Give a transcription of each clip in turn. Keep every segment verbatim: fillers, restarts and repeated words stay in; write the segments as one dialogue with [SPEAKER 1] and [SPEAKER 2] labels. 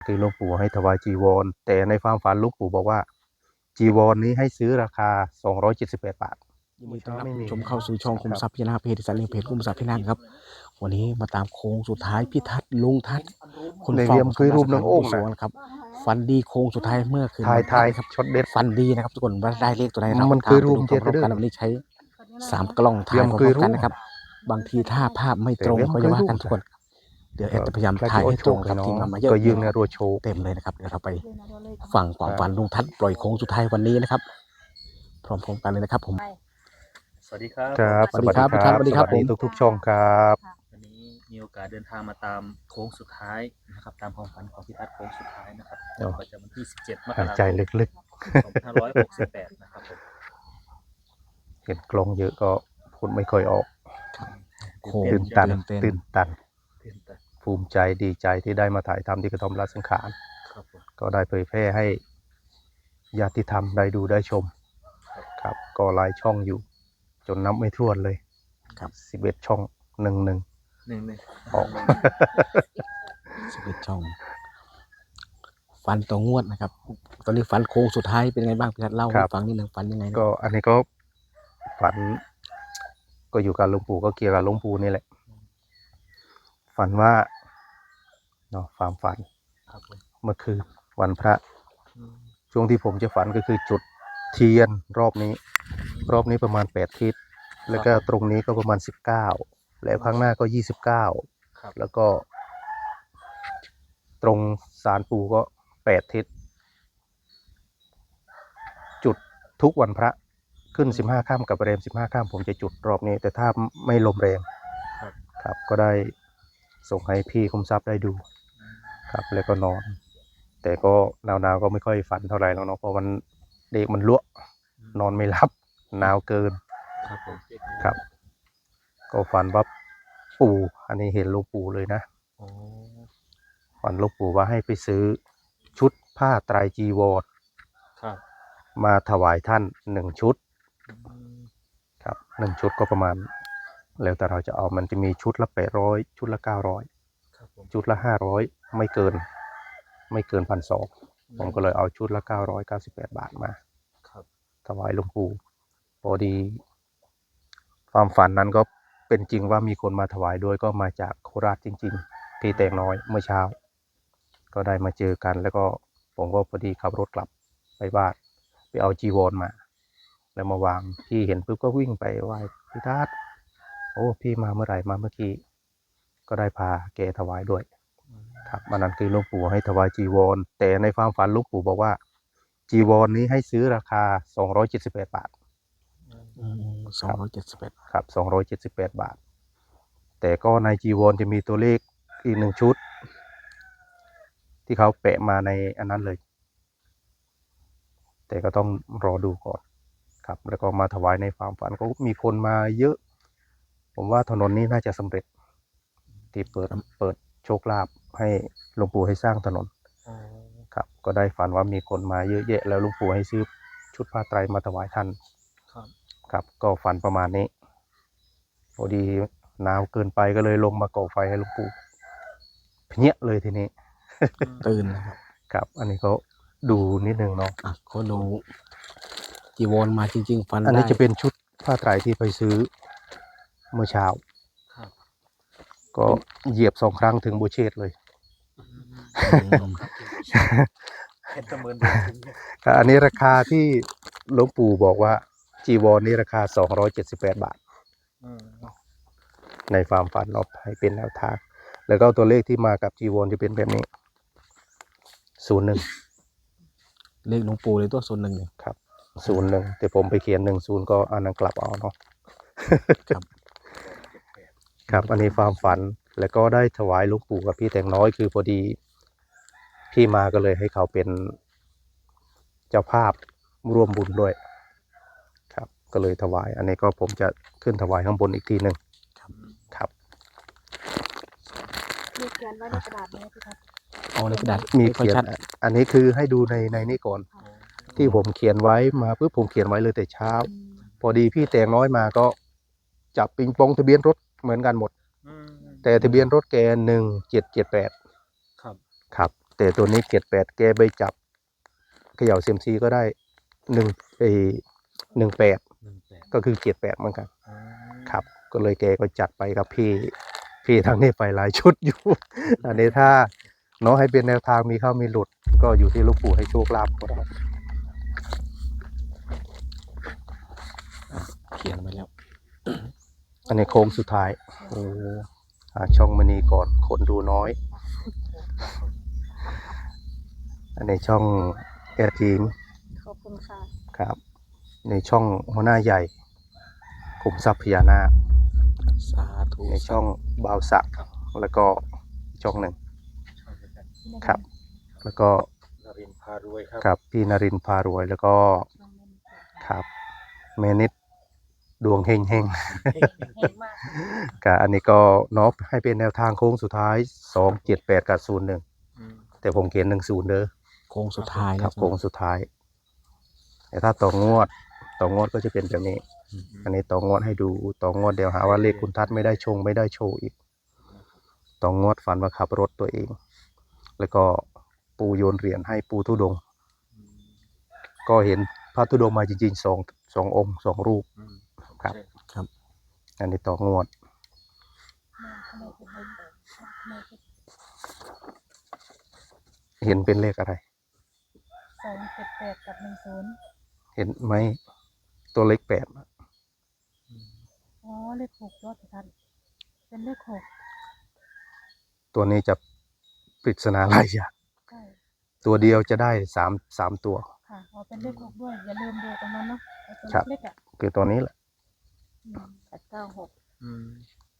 [SPEAKER 1] คือหลวงปู่ให้ถวายจีวรแต่ในความฝันหลวงปู่บอกว่าจีวรนี้ให้ซื้อราคาสองร้อยเจ็ดสิบแปดบาท
[SPEAKER 2] ยินดีต้อนรับผู้ชมเข้าสู่ช่องคุมทรัพย์พินาเพจสันนิเพจคุมทรัพย์พินาครับวันนี้มาตามโค้งสุดท้ายพี่ทัศน์ลุงทัศน์คนเฝ้าสมบัติของสวนครับฟันดีโค้งสุดท้ายเมื่อคืน
[SPEAKER 1] ทายทาย
[SPEAKER 2] ครับ
[SPEAKER 1] ช็อตเด็ด
[SPEAKER 2] ฟันดีนะครับทุกคนว่าได้เลขตัวไหนเรา
[SPEAKER 1] มันคือรูป
[SPEAKER 2] ตาม
[SPEAKER 1] เจ็ด
[SPEAKER 2] ไปดู
[SPEAKER 1] เด้อ
[SPEAKER 2] กันวันนี้ใช้สามกล้องถ่ายพร้อมกันนะครับบางทีถ้าภาพไม่ตรงก็จะว่ากันทุกคนเดี๋ยวแอดจะพยายามถ่ายให้ตรงกับทีมงานมาเยอะ
[SPEAKER 1] ก็ยืนในรัวโชว์
[SPEAKER 2] เต็มเลยนะครับเดี๋ยวเราไปฟังความฝันลุงทัศน์ปล่อยโค้งสุดท้ายวันนี้นะครับพร้อมๆกันเลยนะครับผม
[SPEAKER 3] สวัสดีครับ
[SPEAKER 1] ครับ
[SPEAKER 2] สวัสดีครับ
[SPEAKER 1] สวัสดีครับ
[SPEAKER 2] สวัสดีครับ
[SPEAKER 1] สวัสดีทุกๆช่องครับ
[SPEAKER 3] วันนี้มีโอกาสเดินทางมาตามโค้งสุดท้ายนะครับตามความฝันของพี่ทัศน์โค้งสุดท้ายนะครับประจำวันที่สิบเจ็ดมก
[SPEAKER 1] หาย
[SPEAKER 3] ราค
[SPEAKER 1] ใจ
[SPEAKER 3] ม
[SPEAKER 1] ลึก
[SPEAKER 3] สองพันห้าร้อยหกสิบแปดนะครับผม
[SPEAKER 1] ๆเห็นกลองเยอะก็พูดไม่ค่อยออก
[SPEAKER 2] โค้ง
[SPEAKER 1] ตื่นตัน
[SPEAKER 2] ตื่นเต้น
[SPEAKER 1] ตื่นตัน
[SPEAKER 3] เต้นแต่
[SPEAKER 1] ภูมิใจดีใจที่ได้มาถ่ายทำที่กระท่อมราชสังขาร
[SPEAKER 3] ครับผม
[SPEAKER 1] ก็ได้เผยแพร่ให้ญาติธรรมได้ดูได้ชมครับก็หลายช่องอยู่ จนนับไม่ถ้วนเลย
[SPEAKER 2] ครับ
[SPEAKER 1] สิบเอ็ดช่องหนึ่งหนึ่ง
[SPEAKER 3] หนึ่งหนึ่ง
[SPEAKER 1] ออก
[SPEAKER 2] สิบเอ็ดช่อง ฟันตัวงวดนะครับ ตอนนี้ฟันโค้งสุดท้ายเป็นไงบ้างพี่ทัศน์เล่าให้ฟังนิดหนึ่งฟันยังไงนะ
[SPEAKER 1] ก็อันนี้ก็ฝัน ก็อยู่กับหลวงปู่ก็เกี่ยวกับหลวงปู่นี่แหละ ฝันว่าเนาะความฝัน
[SPEAKER 3] ครับผม
[SPEAKER 1] เมื่อคืนวันพระ
[SPEAKER 3] อืม
[SPEAKER 1] ช่วงที่ผมจะฝันก็คือจุดเทียนรอบนี้ รอบนี้ประมาณแปดทิศแล้วก็ตรงนี้ก็ประมาณสิบเก้าแล้วข้างหน้าก็ยี่สิบเก้า
[SPEAKER 3] ครับ
[SPEAKER 1] แล้วก็ ตรงศาลปู่ก็แปดทิศจุดทุกวันพระขึ้นสิบห้าค่ำกับแรมสิบห้าค่ำผมจะจุดรอบนี้ แต่ถ้าไม่ลมแรง
[SPEAKER 3] ครับ
[SPEAKER 1] ครับ ก็ได้ส่งให้พี่คุมทรัพย์ได้ดู ครับแล้วก็นอน แต่ก็หนาวๆก็ไม่ค่อยฝันเท่าไหร่แล้วเนาะเพราะมันเด็กมันลวกนอนไม่หลับหนาวเกิน
[SPEAKER 3] ครับผม
[SPEAKER 1] ครับ ก็ฝันว่าปู่อันนี้เห็นหลวงปู่เลยนะ
[SPEAKER 3] โอ้
[SPEAKER 1] ฝันหลวงปู่ว่าให้ไปซื้อชุดผ้าไตรจีวร
[SPEAKER 3] ครับ
[SPEAKER 1] มาถวายท่านหนึ่งชุด
[SPEAKER 3] อืม
[SPEAKER 1] ครับหนึ่งชุดก็ประมาณ แล้วแต่เราจะเอามันจะมีชุดละแปดร้อยชุดละเก้าร้อย
[SPEAKER 3] ครับผม
[SPEAKER 1] ชุดละห้าร้อยไม่เกิน ไม่เกินพันสองผมก็เลยเอาชุดละเก้าร้อยเก้าสิบแปดบาทมา
[SPEAKER 3] ครับ
[SPEAKER 1] ถวายหลวงปู่พอดี ความฝันนั้นก็เป็นจริงว่ามีคนมาถวายด้วยก็มาจากโคราชจริงๆที่แตงน้อยเมื่อเช้า ก็ได้มาเจอกัน แล้วก็ผมก็พอดีขับรถกลับไปบ้านไปเอาจีวรมา แล้วมาวางพี่เห็นปุ๊บก็วิ่งไปไหว้พี่ทัศน์โอ้พี่มาเมื่อไหร่มาเมื่อกี้ก็ได้พาแกถวายด้วย ครับมันนั้นคือหลวงปู่ให้ถวายจีวรแต่ในความฝันหลวงปู่บอกว่าจีวรนี้ให้ซื้อราคาสองร้อยเจ็ดสิบแปดบาท
[SPEAKER 2] สองร้อยเจ็ดสิบเอ็ด
[SPEAKER 1] ครับสองร้อยเจ็ดสิบแปดบาท แต่ก็ในจีวรจะมีตัวเลขอีกหนึ่งชุด ที่เขาแปะมาในอันนั้นเลย แต่ก็ต้องรอดูก่อนครับ แล้วก็มาถวายในความฝันก็มีคนมาเยอะ ผมว่าถนนนี้น่าจะสำเร็จ ที่เปิดเปิดโชคลาภให้หลวงปู่ให้สร้างถนน
[SPEAKER 3] อ๋อ
[SPEAKER 1] ครับ ก็ได้ฝันว่ามีคนมาเยอะแยะแล้วหลวงปู่ให้ซื้อชุดผ้าไตรมาถวายท่าน
[SPEAKER 3] ครับ
[SPEAKER 1] ครับก็ฝันประมาณนี้ พอดีหนาวเกินไปก็เลยลงมาก่อไฟให้หลวงปู่เพนี้ยเลยทีนี้
[SPEAKER 2] ตื่นนะครับ
[SPEAKER 1] ครับ อันนี้ก็ดูนิดนึงเนาะ
[SPEAKER 2] อ่ะเขาดูจีวรมาจริง ๆ ฟัน
[SPEAKER 1] อันนี้
[SPEAKER 2] ได้
[SPEAKER 1] จะเป็นชุดผ้าไตรที่ไปซื้อเมื่อเช้า
[SPEAKER 3] ครับ
[SPEAKER 1] ก็เหยียบสองครั้งถึงโบเชตเลย
[SPEAKER 2] อืม
[SPEAKER 3] เห็นเสมือนเดิมจริงเนี่ย
[SPEAKER 1] อันนี้ราคาที่หลวงปู่บอกว่าจีวรนี่ราคาสองร้อยเจ็ดสิบแปดบาท
[SPEAKER 3] อืม
[SPEAKER 1] ในความฝันเราให้เป็นแนวทาง แล้วก็ตัวเลขที่มากับจีวรจะเป็นแบบนี้ศูนย์หนึ่ง
[SPEAKER 2] เลขหลวงปู่เลยตัวส่วนหนึ่งเนี่ย
[SPEAKER 1] ครับศูนย์หนึ่งแต่ผมไปเขียนหนึ่งศูนย์ก็อันนั้นกลับเอาเนาะ
[SPEAKER 2] ครับ
[SPEAKER 1] ครับอันนี้ความฝันแล้วก็ได้ถวายหลวงปู่กับพี่แต่งน้อยคือพอดีพี่มาก็เลยให้เขาเป็นเจ้าภาพร่วมบุญด้วยครับก็เลยถวาย อันนี้ก็ผมจะขึ้นถวายข้างบนอีกทีหนึ่งครับ
[SPEAKER 4] มีเขียนไว้ในกระดาษไหมพี่ทัศน์
[SPEAKER 2] เอาในกระดาษ
[SPEAKER 1] มี
[SPEAKER 2] ค่อย
[SPEAKER 1] เขียน
[SPEAKER 2] ชัด
[SPEAKER 1] อันนี้คือให้ดูในในนี้ก่อน
[SPEAKER 3] อ๋อ
[SPEAKER 1] ที่ผมเขียนไว้มาปุ๊บผมเขียนไว้เลยแต่เช้า พอดีพี่แต่งน้อยมาก็จับปิงปองทะเบียนรถเหมือนกันหมด
[SPEAKER 3] อืม
[SPEAKER 1] แต่ทะเบียนรถแกหนึ่งเจ็ดเจ็ดแปด
[SPEAKER 3] ครับ
[SPEAKER 1] ครับแต่ตัวนี้เจ็ดแปดแกไปจับเขย่าเซียมซีก็ได้หนึ่งเอหนึ่งแปด
[SPEAKER 3] หนึ่งแปด
[SPEAKER 1] ก็คือเจ็ดแปดเหมือนกัน
[SPEAKER 3] อ๋อ
[SPEAKER 1] ครับ ก็เลยแกก็จัดไปกับพี่พี่ทางนี้ไปหลายชุดอยู่ อันนี้ถ้าเนาะให้เป็นแนวทางมีเข้ามีหลุด ก็อยู่ที่หลูกปู่ให้โชคลาภของเรา
[SPEAKER 2] เขียนไว้แล้ว
[SPEAKER 1] อันนี้โค้งสุดท้าย
[SPEAKER 2] โอ้
[SPEAKER 1] หาช่องมณีก่อนคนดูน้อย อันนี้ช่องแอร์ทีม
[SPEAKER 4] ขอบคุณค่ะ
[SPEAKER 1] ครับ ในช่องหัวหน้าใหญ่ขุมทรัพย์พญานาค
[SPEAKER 2] สาธุ
[SPEAKER 1] ในช่องบาวสักแล้วก็ช่องหนึ่ง
[SPEAKER 3] ชอบเหมือนกัน
[SPEAKER 1] ครับ แล้วก็
[SPEAKER 3] นรินทร์พารวยครับ
[SPEAKER 1] กับพี่นรินทร์พารวยแล้วก็ครับเมนิดดวงเฮงเฮง
[SPEAKER 4] เห็นมาก
[SPEAKER 1] กับอันนี้ก็เนาะให้เป็นแนวทางโค้งสุดท้ายสองเจ็ดแปดกับศูนย์หนึ่ง
[SPEAKER 3] อืม
[SPEAKER 1] แต่ผมเขียนหนึ่งศูนย์เด้อ
[SPEAKER 2] โค้งสุดท้าย
[SPEAKER 1] ครับ
[SPEAKER 2] นะ
[SPEAKER 1] โค้งสุดท้าย แต่ถ้าต่องวดต่องวดก็จะเป็นแบบนี้ อันนี้ต่องวดให้ดูต่องวดเดี๋ยวหาว่าเลขคุณทัศน์ไม่ได้ชงไม่ได้โชว์อีกต่องวดฝันว่าขับรถตัวเอง แล้วก็ปูโยนเหรียญให้ปูทุดงค์ก็เห็นพระธุดงค์มาจริงๆสองสององค์สองรูป
[SPEAKER 3] อืม
[SPEAKER 1] ครับ
[SPEAKER 2] ครับ
[SPEAKER 1] อันนี้ต่องวด เห็นเป็นเลขอะไร
[SPEAKER 4] สองเจ็ดแปดกับหนึ่งศูนย์
[SPEAKER 1] เห็นไหมตัวเลขแปด
[SPEAKER 4] อ๋อเลขหกยอดทันเป็นเลขหก
[SPEAKER 1] ตัวนี้จะปริศนาหลายอย่าง
[SPEAKER 4] ใช่
[SPEAKER 1] ตัวเดียวจะได้สามสามตัว
[SPEAKER 4] ค่ะอ๋อเป็นเลขหกด้วยอย่าลืมดูตรงนั้นเนาะไอ้ตัว
[SPEAKER 1] ครับ
[SPEAKER 4] เล็กๆอ่ะ
[SPEAKER 1] คือตัวนี้แหละ
[SPEAKER 4] แปดเก้าหก
[SPEAKER 3] อืม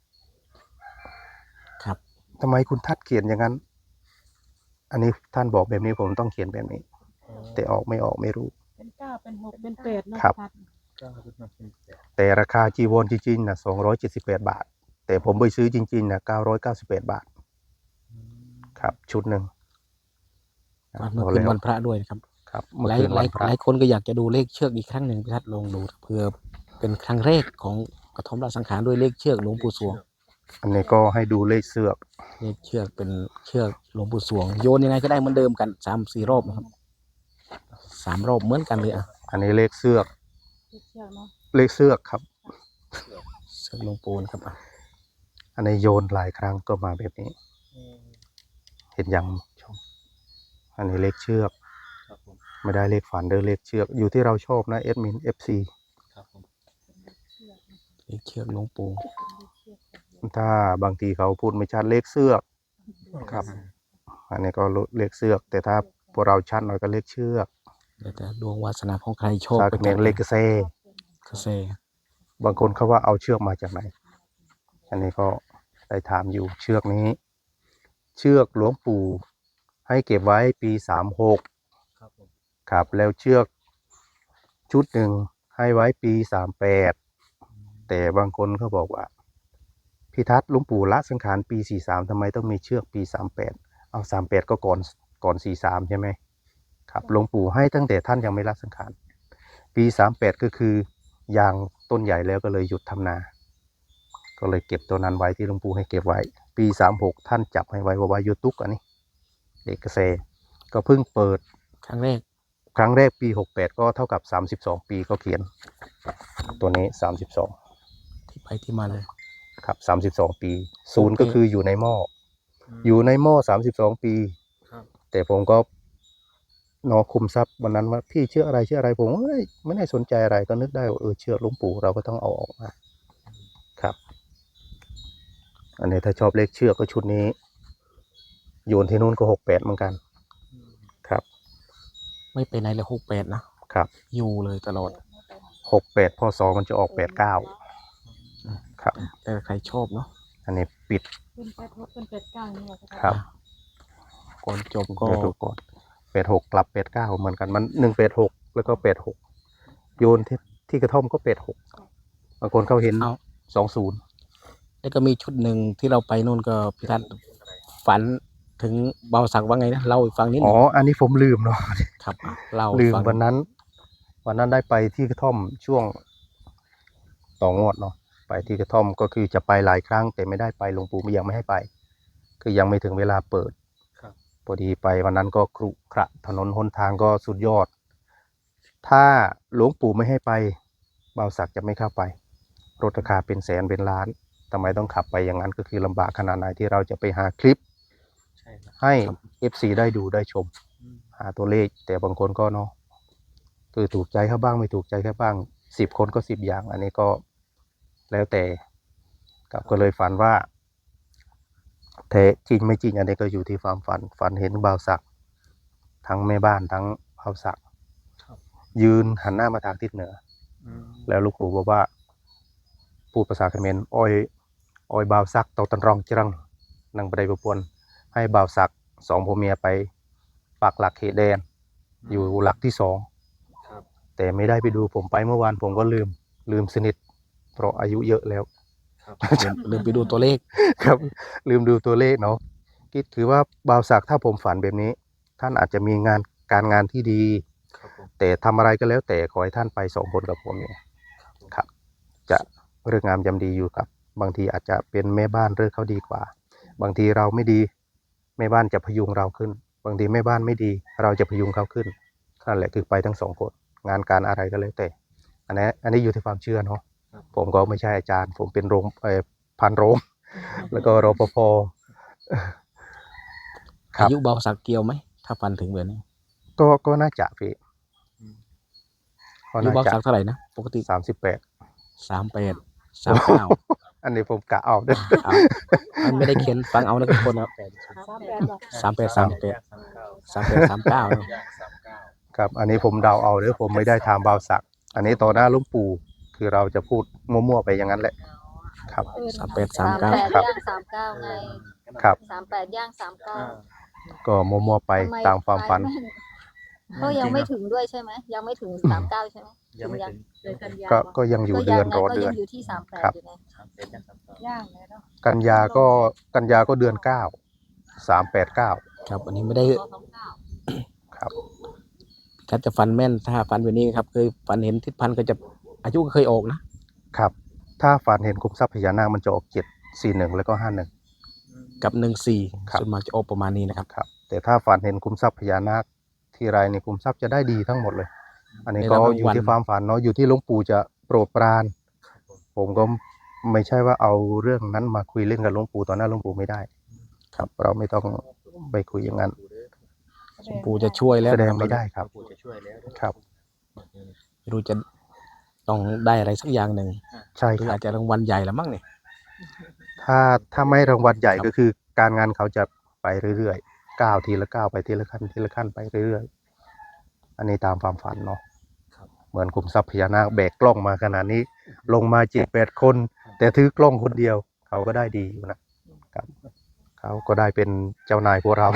[SPEAKER 2] ครับ
[SPEAKER 1] ทำไมคุณทัดเขียนอย่างนั้น อันนี้ท่านบอกแบบนี้ผมต้องเขียนแบบนี้
[SPEAKER 3] อ๋อ
[SPEAKER 1] แต่ออกไม่ออกไม่รู้
[SPEAKER 4] เป็นเก้าเป็นหกเป็นแปดเนาะ
[SPEAKER 1] ครับ
[SPEAKER 4] ทัด
[SPEAKER 3] เก้าขึ้นมาเป็นแปด
[SPEAKER 1] แต่ราคาจีวรจริงๆนะสองร้อยเจ็ดสิบแปดบาท แต่ผมไปซื้อจริงๆนะเก้าร้อยเก้าสิบแปดบาท
[SPEAKER 3] อืม
[SPEAKER 1] ครับ ชุดหนึ่ง
[SPEAKER 2] วันเมื่อคืนวันพระด้วยนะครับ
[SPEAKER 1] ครับ
[SPEAKER 2] ห
[SPEAKER 1] เมื่อ
[SPEAKER 2] ลาย
[SPEAKER 1] คืน
[SPEAKER 2] ห
[SPEAKER 1] วั
[SPEAKER 2] ลาย
[SPEAKER 1] นพระ
[SPEAKER 2] หลายคนก็อยากจะดูเลขเชือกอีกครั้งหนึ่งพี่ทัศน์ลองดูเพื่อเป็นครั้งแรกของกระท่อมราชสังขารด้วยเลขเชือกหลวงปู่สวง
[SPEAKER 1] อันนี้ก็ให้ดูเลขเสือก
[SPEAKER 2] เลขเชือกเป็นเชือกหลวงปู่สวง โยนยังไงก็ได้เหมือนเดิมกันสามสี่รอบนะครับสามรอบเหมือนกันเลยอ่ะ
[SPEAKER 1] อันนี้เลขเสือก
[SPEAKER 4] เลขเชือกเนาะ
[SPEAKER 1] เลขเสือกครับ
[SPEAKER 2] เชือกหลวงปู่นะครับอ่ะ
[SPEAKER 1] อันนี้โยนหลายครั้งก็มาแบบนี้
[SPEAKER 3] อืม
[SPEAKER 1] เห็นยังชมอันนี้เลขเชือก
[SPEAKER 3] ครับผม
[SPEAKER 1] ไม่ได้เลขฝันเด้อเลขเชือก อยู่ที่เราชอบนะเอดมินเอฟซี
[SPEAKER 3] ครับผม
[SPEAKER 2] เลขเชือกหลวงปู่
[SPEAKER 1] ถ้าบางทีเขาพูดไม่ชัดเลขเสือกครับ อันนี้ก็เลขเสือก แต่ถ้าพวกเราชัดหน่อยก็เลขเชือก
[SPEAKER 2] แล้วแต่ดวงวาสนาของใครโชค
[SPEAKER 1] ซา
[SPEAKER 2] ไป
[SPEAKER 1] เขมรเลขกระเซ
[SPEAKER 2] กระเซ
[SPEAKER 1] บางคนเขาว่าเอาเชือกมาจากไหน อันนี้ก็ได้ถามอยู่เชือกนี้ เชือกหลวงปู่ให้เก็บไว้ปีสามหก
[SPEAKER 3] ครับผม
[SPEAKER 1] ครับ แล้วเชือกชุดหนึ่งให้ไว้ปีสามแปด แต่บางคนเขาบอกว่าพิทัศน์หลวงปู่ละสังขารปีสี่สามทำไมต้องมีเชือกปีสามแปด เอาสามแปดก็ก่อนก่อนสี่สามใช่ไหมครับหลวงปู่ให้ตั้งแต่ท่านยังไม่ละสังขารปีสามแปดก็คือยางต้นใหญ่แล้วก็เลยหยุดทำนา ก็เลยเก็บตัวนั้นไว้ที่หลวงปู่ให้เก็บไว้ ปีสามหกท่านจับให้ไว้ว่าไว้ยูตุกอันนี้เด็กเกษตรก็เพิ่งเปิด
[SPEAKER 2] ครั้งแรก
[SPEAKER 1] ครั้งแรกปีหกแปดก็เท่ากับสามสิบสองปีก็เขียน ตัวนี้สามสิบสอง
[SPEAKER 2] ที่ไปที่มาเลย
[SPEAKER 1] ครับสามสิบสองปีศูนย์
[SPEAKER 2] โอเค
[SPEAKER 1] ก็คืออยู่ในหม้อ
[SPEAKER 3] ม
[SPEAKER 1] อยู่ในหม้อสามสิบสองปี
[SPEAKER 3] ครับ
[SPEAKER 1] แต่ผมก็นอคุมทรัพย์วันนั้นว่าพี่เชื่ออะไรเชื่ออะไรผมเอ้ยไม่ได้สนใจอะไรก็นึกได้ว่าเออเชื่อหลวงปู่เราก็ต้องเอาออกมาครับ อันนี้ถ้าชอบเลขเชือกก็ชุดนี้โยนที่นู่นก็หกแปดเหมือนกัน
[SPEAKER 3] อืม
[SPEAKER 1] ครับ
[SPEAKER 2] ไม่ไปไหนเลยหกแปดนะครับ อยู่เลยตลอด
[SPEAKER 1] หกแปดพศมันจะออกแปดเก้าครับ
[SPEAKER 2] แต่ใครชอบเนาะ
[SPEAKER 1] อันนี้ปิด
[SPEAKER 4] เป็นแปดหกเป็นแปดเก้านี่แหละ
[SPEAKER 1] ครับ
[SPEAKER 2] ก่อนจบก็
[SPEAKER 1] เดี๋ยวดูก่อนแปดหกกลับแปดเก้าเหมือนกันมันหนึ่งแปดหกแล้วก็แปดหกโยนที่ที่กระท่อมก็แปดหกบางคนเขาเห็น
[SPEAKER 2] เอา
[SPEAKER 1] สองศูนย์
[SPEAKER 2] แล้วก็มีชุดหนึ่งที่เราไปนู่นก็พี่ทัศน์ฝันถึงเบาสักว่าไงนะเล่าให้ฟังนิดห
[SPEAKER 1] อ๋
[SPEAKER 2] นึ
[SPEAKER 1] อง อันนี้ผมลืมเนาะ
[SPEAKER 2] ครับอ่ะเล่า
[SPEAKER 1] ลื
[SPEAKER 2] ให้
[SPEAKER 1] ม
[SPEAKER 2] ฟัง
[SPEAKER 1] วันนั้น วันนั้นได้ไปที่กระท่อมช่วงต่องวดเนาะไปที่กระท่อมก็คือจะไปหลายครั้ง แต่ไม่ได้ไปหลวงปู่ยังไม่ให้ไป คือยังไม่ถึงเวลาเปิด
[SPEAKER 3] ครับ
[SPEAKER 1] ผอดีไปวันนั้นก็ครุขระถนนหนทางก็สุดยอด ถ้าหลวงปู่ไม่ให้ไปบ่าวศักดิ์จะไม่เข้าไปรถราคาเป็นแสนเป็นล้านทำไมต้องขับไปอย่างนั้นก็คือลำบากขนาดไหนที่เราจะไปหาคลิป
[SPEAKER 3] ใช่ครับ
[SPEAKER 1] ให้ เอฟ ซี ได้ดูได้ชม
[SPEAKER 3] อืม
[SPEAKER 1] หาตัวเลขแต่บางคนก็เนาะคือถูกใจเขาบ้างไม่ถูกใจเขาบ้างสิบคนก็สิบอย่าง อันนี้ก็แล้วแต่กับก็เลยฝันว่าแท้จริงไม่จริงอันนี้ก็อยู่ที่ความฝันฝันเห็นบ่าวศักดิ์ทั้งแม่บ้านทั้งบ่าวศักดิ์
[SPEAKER 3] ครับ
[SPEAKER 1] ยืนหันหน้ามาทางทิศเหนือ
[SPEAKER 3] อืม
[SPEAKER 1] แล้วลูกปู่บอกว่าพูดภาษาเขมรอ้อยอ้อยบ่าวศักดิ์เตาตันรองจรังนั่งไปได้ประปวนให้บ่าวศักดิ์สองผัวเมียไปปักหลักเขตแดน อยู่หลักที่สอง
[SPEAKER 3] ครับ
[SPEAKER 1] แต่ไม่ได้ไปดูผมไปเมื่อวานผมก็ลืมลืมสนิทเพราะอายุเยอะแล้ว
[SPEAKER 3] ครับ
[SPEAKER 2] ลืมลืมไปดูตัวเลข
[SPEAKER 1] ครับ ลืมดูตัวเลขเนาะคิดถือว่าบ่าวศักดิ์ถ้าผมฝันแบบนี้ ท่านอาจจะมีงานการงานที่ดี
[SPEAKER 3] ครับผม
[SPEAKER 1] แต่ทำอะไรก็แล้วแต่ขอให้ท่านไปสองคนกับผมเนี่ยครับ จะเรื่องงามยำดีอยู่ครับ บางทีอาจจะเป็นแม่บ้านเรื่องเขาดีกว่า บางทีเราไม่ดีแม่บ้านจะพยุงเราขึ้น บางทีแม่บ้านไม่ดี เราจะพยุงเขาขึ้นนั่นแหละคือไปทั้งสองคนงานการอะไรก็แล้วแต่ อันนี้อันนี้อยู่ที่ความเชื่อเนาะ
[SPEAKER 3] ครับ
[SPEAKER 1] ผมก็ไม่ใช่อาจารย์ ผมเป็นโรงเอ่อพันโรง แล้วก็รปภ ครับ
[SPEAKER 2] อายุบ่าวศักดิ์เกี่ยวไหมถ้าฟันถึงแบบนี้
[SPEAKER 1] ก็ก็น่าจะพี่
[SPEAKER 3] อืม
[SPEAKER 1] ก็
[SPEAKER 2] อายุ
[SPEAKER 1] น่า
[SPEAKER 2] บ่าว
[SPEAKER 1] จะ
[SPEAKER 2] ศักดิ์เท่าไหร่นะปกติ
[SPEAKER 1] สามสิบแปด
[SPEAKER 2] สามแปดสามเก้า
[SPEAKER 1] อันนี้ผมกะเอาเด้อ
[SPEAKER 2] เอามันไม่ได้เขียนฟังเอานะทุกคนนะ
[SPEAKER 3] แปดสิบ
[SPEAKER 4] สามแปดบอก
[SPEAKER 2] สามแปดสามแปด
[SPEAKER 3] สามเก้า
[SPEAKER 2] สามแปดสามเก้า
[SPEAKER 3] ย่างสามเก้า
[SPEAKER 1] ครับ อันนี้ผมเดาเอาเด้อผมไม่ได้ถามบ่าวศักดิ์อันนี้ต่อหน้าหลุงปู่คือเราจะพูดมั่วๆไปอย่างนั้นแหละ ครับ
[SPEAKER 2] สามแปดสา
[SPEAKER 5] สาม ม
[SPEAKER 2] เก้า
[SPEAKER 5] แปด
[SPEAKER 1] ครับ
[SPEAKER 5] ย่างสามเก้าไง
[SPEAKER 1] ครับ
[SPEAKER 5] สามแปดย่างสามเก้า
[SPEAKER 3] อ่า
[SPEAKER 1] ก็มั่วๆไป
[SPEAKER 5] ทำไม
[SPEAKER 1] ตามความฝัน
[SPEAKER 5] เขายังไม่ถึงด้วยใช่ไหมยังไม่ถึงสามเก้าใช่ไหม
[SPEAKER 3] ยังไม่ถึง
[SPEAKER 4] เลยกันยา
[SPEAKER 1] ก็
[SPEAKER 4] ว
[SPEAKER 1] ก็ยังอยู่
[SPEAKER 5] ก็
[SPEAKER 1] เดือน
[SPEAKER 5] ไง
[SPEAKER 1] รอ
[SPEAKER 5] ก็
[SPEAKER 1] เดือ
[SPEAKER 5] ยั
[SPEAKER 1] น
[SPEAKER 5] งอยู่ที่สามแปด
[SPEAKER 1] ครับ
[SPEAKER 5] อยู่ไง
[SPEAKER 3] สามเป็นย่างสามเก้า
[SPEAKER 4] ย่างเลยเนาะ
[SPEAKER 1] กันยาก็กันยาก็เดือนเก้าสามแปดเก้า
[SPEAKER 2] ครับอันนี้ไม่ได้
[SPEAKER 5] สองสองเก้า
[SPEAKER 1] ครับ
[SPEAKER 2] ถ้าจะฟันแม่นถ้าฟันแบบนี้ครับเคยฟันเห็นทิศพันธ์ก็จะอายุก็เคยออกนะครับ
[SPEAKER 1] ถ้าฝันเห็นคุ้มทรัพย์พญานาคมันจะออกเจ็ดสี่หนึ่งแล้วก็ห้าหนึ่ง
[SPEAKER 2] กับหนึ่งสี่
[SPEAKER 1] ครับ
[SPEAKER 2] ส่วนมากจะออกประมาณนี้นะครับ
[SPEAKER 1] ครับ แต่ถ้าฝันเห็นคุ้มทรัพย์พญานาคที่ไรในคุ้มทรัพย์จะได้ดีทั้งหมดเลย อันนี้
[SPEAKER 2] ได้
[SPEAKER 1] ก็
[SPEAKER 2] รับรางวัล
[SPEAKER 1] อยู่ที่ความฝันเนาะอยู่ที่หลวงปู่จะโปรดปราน ผมก็ไม่ใช่ว่าเอาเรื่องนั้นมาคุยเล่นกับหลวงปู่ต่อหน้าหลวงปู่ไม่ได้ ครับ เราไม่ต้องไปคุยอย่างนั้น
[SPEAKER 2] ปู่จะช่วยแล้ว
[SPEAKER 1] แสดง
[SPEAKER 2] นะครับ
[SPEAKER 1] ไม่ได้ครับ
[SPEAKER 3] ปู่จะช่วยแล้ว
[SPEAKER 1] ครับ
[SPEAKER 2] ไม่รู้จะต้องได้อะไรสักอย่างหนึ่ง
[SPEAKER 1] ใช่
[SPEAKER 2] หรือ
[SPEAKER 1] ครั
[SPEAKER 2] อา
[SPEAKER 1] บ
[SPEAKER 2] จจะรางวัลใหญ่ละมั้งเนี่ย
[SPEAKER 1] ถ้าถ้าไม่รางวัลใหญ่
[SPEAKER 2] ครับ
[SPEAKER 1] ก็คือการงานเขาจะไปเรื่อยๆก้าวทีละก้าวไปทีละขั้นทีละขั้นไปเรื่อยๆ อันนี้ตามความฝันเนาะ
[SPEAKER 3] ครับ
[SPEAKER 1] เหมือนคุมทรัพย์พญานาคแบกกล้องมาขนาดนี้ ลงมาเจ็ดแปดคน แต่ถือกล้องคนเดียว เขาก็ได้ดีอยู่นะครับ เขาก็ได้เป็นเจ้านายพวกเรา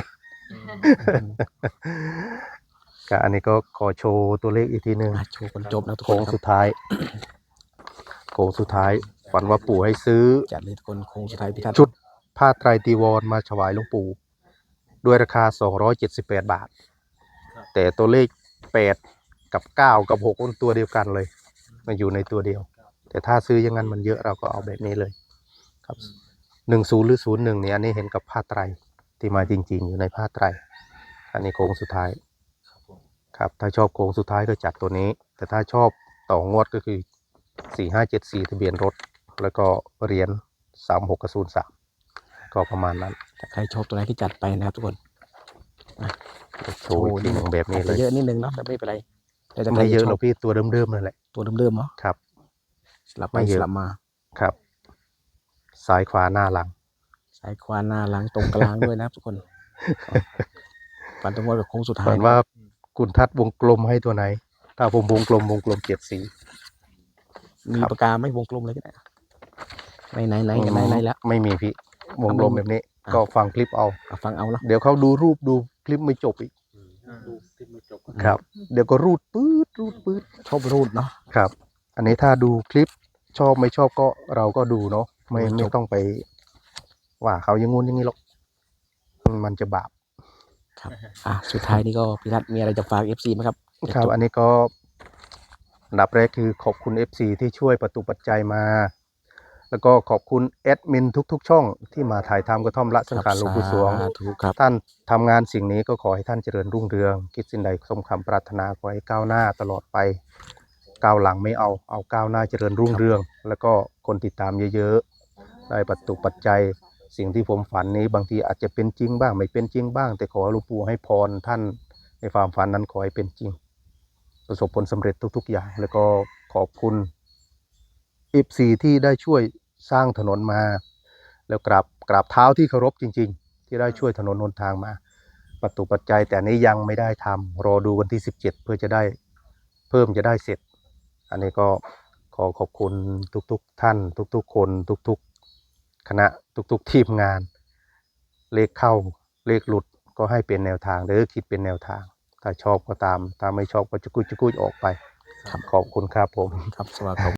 [SPEAKER 1] ก็อันนี้ก็ขอโชว์ตัวเลขอีกทีหนึ่ง
[SPEAKER 2] อ่ะโชว์คนจบนะทุกค
[SPEAKER 1] โค้
[SPEAKER 2] น
[SPEAKER 1] ง
[SPEAKER 2] ครั
[SPEAKER 1] สุ
[SPEAKER 2] บ
[SPEAKER 1] ดท้าย โค้งสุดท้าย ฝันว่าปู่ให้ซื้อ
[SPEAKER 2] จัดเลยทุกคนโค้งสุดท้ายพิทัศน์
[SPEAKER 1] ชุดผ้าไตรจีวรมาถวายหลวงปู่ด้วยราคา สองร้อยเจ็ดสิบแปด บาท แต่ตัวเลข แปด กับ เก้า กับ หกมันตัวเดียวกันเลยมันอยู่ในตัวเดียว แต่ถ้าซื้ออย่างนั้นมันเยอะเราก็เอาแบบนี้เลย ครับหนึ่งศูนย์หรือศูนย์หนึ่งเนี่ยอันนี้เห็นกับผ้าไตรที่มาจริง ๆ อยู่ในผ้าไตร อันนี้โค้งสุดท้าย ครับ ถ้าชอบโค้งสุดท้ายก็จัดตัวนี้ แต่ถ้าชอบต่องวดก็คือ สี่ห้าเจ็ดสี่ ทะเบียนรถ แล้วก็เหรียญสามหกกับศูนย์สามก็ประมาณนั้น
[SPEAKER 2] ถ้าใครชอบตัวไหนก็จัดไปนะครับทุกคน
[SPEAKER 1] โชว์อีกทีหนึ่งแบบนี้
[SPEAKER 2] อาจ
[SPEAKER 1] เล
[SPEAKER 2] จะ
[SPEAKER 1] ย
[SPEAKER 2] เยอะนิดนึงเนาะแต่ไม่เป็นไรแต่ถ้าใคร
[SPEAKER 1] ไม่เยอะ
[SPEAKER 2] ช
[SPEAKER 1] หร
[SPEAKER 2] อ
[SPEAKER 1] อบ กพี่ตัวเดิมๆนั่นแหละ
[SPEAKER 2] ตัวเดิมๆเนาะ
[SPEAKER 1] ครับ
[SPEAKER 2] สลับไป
[SPEAKER 1] ไม่เย
[SPEAKER 2] ส
[SPEAKER 1] อะ
[SPEAKER 2] ลับมา
[SPEAKER 1] ครับ ซ้ายขวาหน้าหลัง
[SPEAKER 2] ซ้ายขวาหน้าหลังตรงกลางด้วยนะครับทุกคนฟันตรงว่าแบบโค้งสุดท้า
[SPEAKER 1] ฝั
[SPEAKER 2] ย
[SPEAKER 1] นว่าคุณทัดวงกลมให้ตัวไหน ถ้าผมวงกลมวงกลมเจ็ดสี
[SPEAKER 2] มี
[SPEAKER 1] ครับ
[SPEAKER 2] ปากกาไหม่วงกลมเลยก็ได้ไหนไหนไหนไหนไหนแล้ว
[SPEAKER 1] ไม่มีพี่ วงกลมแบบนี้
[SPEAKER 2] อ่ะ
[SPEAKER 1] ก็ฟังคลิปเอา
[SPEAKER 2] อ่ะฟังเอาเนาะ
[SPEAKER 1] เดี๋ยวเขาดูรูปดูคลิปไม่จบอีก
[SPEAKER 3] ดูคลิปไม่จบ
[SPEAKER 1] ครับ เดี๋ยวก็รูดปื๊ดรูดปื๊ด
[SPEAKER 2] ชอบรูดเนาะ
[SPEAKER 1] ครับ อันนี้ถ้าดูคลิปชอบไม่ชอบก็เราก็ดูเนาะ ไม่
[SPEAKER 2] ไม่จบ
[SPEAKER 1] ไม่ต้องไป ว่าเขาอยังงู้นอย่างนี้หรอก มันจะบาป
[SPEAKER 2] ครับอ่ะสุดท้ายนี่ก็พี่ทัศน์มีอะไรจะฝาก เอฟ ซี ไหมครับ
[SPEAKER 1] ครับ
[SPEAKER 2] จ
[SPEAKER 1] อันนี้ก็อันดับแรกคือขอบคุณ เอฟ ซี ที่ช่วยประตูปัจจัยมาแล้วก็ขอบคุณแอดมินทุกๆ ช่องที่มาถ่ายทำกระท่อมละสังขารหลวงปู่สวง
[SPEAKER 2] สาธุครับ
[SPEAKER 1] ท่านทำงานสิ่งนี้ก็ขอให้ท่านเจริญรุ่งเรือง คิดสิ่งใดสมคำปรารถนาขอให้ก้าวหน้าตลอดไปก้าวหลังไม่เอาเอาก้าวหน้าเจริญรุ่งเรือง แล้วก็คนติดตามเยอะๆได้ปัจจุปัจจัยสิ่งที่ผมฝันนี้บางทีอาจจะเป็นจริงบ้างไม่เป็นจริงบ้าง แต่ขอหลวงปู่ให้พรท่านในความฝันนั้นขอให้เป็นจริง ประสบผลสำเร็จทุกๆอย่าง แล้วก็ขอบคุณ เอฟ ซี ที่ได้ช่วยสร้างถนนมา แล้วกราบกราบเท้าที่เคารพจริงๆ ที่ได้ช่วยถนนหนทางมาปัจจุปัจจัยแต่อันนี้ยังไม่ได้ทำรอดูวันที่สิบเจ็ดเพื่อจะได้เพิ่มจะได้เสร็จ อันนี้ก็ขอขอบคุณทุกๆท่าน ทุกๆคนทุกๆคณะทุกๆทีมงาน เลขเข้าเลขหลุดก็ให้เป็นแนวทางหรือคิดเป็นแนวทาง ถ้าชอบก็ตามถ้าไม่ชอบก็จะกุยจะกุยออกไป
[SPEAKER 2] ครับ
[SPEAKER 1] ขอบคุณครับผม
[SPEAKER 2] ครับสวัสดีครับ